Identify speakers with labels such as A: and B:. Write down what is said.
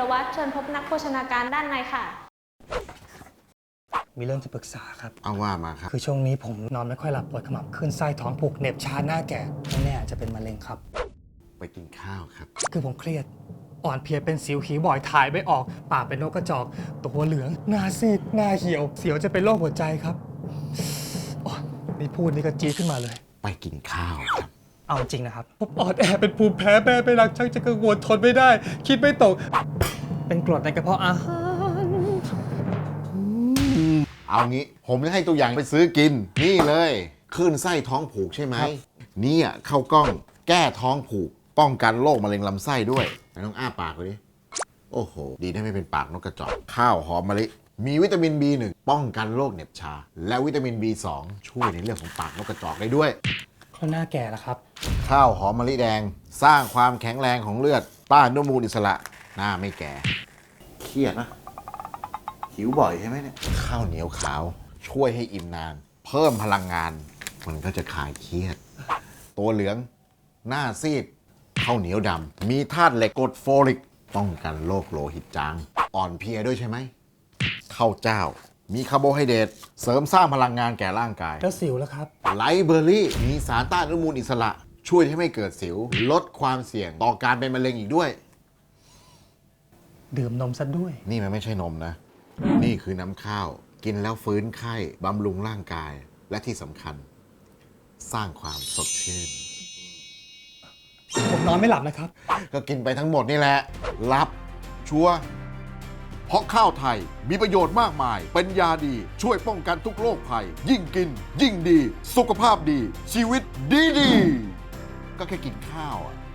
A: รวัตรเชิญพบนักโภชนาการด้านในค่ะ
B: มีเรื่องจะปรึกษาครับ
C: เอาว่ามาครับ
B: คือช่วงนี้ผมนอนไม่ค่อยหลับปวดขมับขึ้นไส้ท้องผูกเหน็บชาหน้าแก่ไม่แน่อาจจะเป็นมะเร็งครับ
C: ไปกินข้าวครับ
B: คือผมเครียด อ่อนเพลียเป็นสิวขีบ่อยถ่ายไม่ออก ปากเป็นนกกระจอก ตัวเหลือง หน้าซีด หน้าเหี่ยว เสียวจะเป็นโรคหัวใจครับโอ๊ยนี่พูดนี่ก็จี๊ดขึ้นมาเลย
C: ไปกินข้าวครับ
B: เอาจริงนะครับผมอ่อนแอเป็นภูมิแพ้แม่ไม่รักชักจะกังวลทนไม่ได้ คิดไม่ตก เป็นกรดในกระเพาะอาหาร
C: เอางี้ผมจะให้ตัวอย่างไปซื้อกิน นี่เลยคลื่นไส้ท้องผูกใช่ไหมนี่เข้ากล้องแก้ท้องผูก ป้องกันโรคมะเร็งลำไส้ด้วยไหนต้องอ้าปากเลยดิโอ้โห ดีได้ไม่เป็นปากนกกระจอกข้าวหอมมะลิมีวิตามิน B1 ป้องกันโรคเหน็บชา และวิตามิน B2 ช่วยในเรื่องของปากนกกระจอกได้ด้วย
B: เขาหน้าแก่แล้วครับ
C: ข้าวหอมมะลิแดง สร้างความแข็งแรงของเลือดต้านอนุมูลอิสระหน้าไม่แก่เครียดนะหิวบ่อยใช่ไหมเนี่ยข้าวเหนียวขาวช่วยให้อิ่มนาน เพิ่มพลังงาน มันก็จะคลายเครียด ตัวเหลืองหน้าซีดข้าวเหนียวดำมีธาตุเหล็กกรดโฟลิกป้องกันโรคโลหิตจาง อ่อนเพลียด้วยใช่ไหมข้าวเจ้า มีคาร์โบไฮเดรตเสริมสร้างพลังงานแก่ร่างกาย
B: แล้วสิวแล้วครับ
C: ไลฟ์เบอร์รี่มีสารต้านอนุมูลอิสระ ช่วยให้ไม่เกิดสิว ลดความเสี่ยงต่อการเป็นมะเร็งอีกด้วย
B: ดื่มนมซะด้วย
C: นี่มันไม่ใช่นมนะ นี่คือน้ำข้าว กินแล้วฟื้นไข้บำรุงร่างกาย และที่สำคัญ สร้างความสดชื่น
B: ผมนอนไม่หลับนะครับ
C: ก็กินไปทั้งหมดนี่แหละ รับ ชัวร์เพราะข้าวไทยมีประโยชน์มากมาย เป็นยาดี ช่วยป้องกันทุกโรคภัย ยิ่งกิน ยิ่งดี สุขภาพดี ชีวิตดีดีก็แค่กินข้าว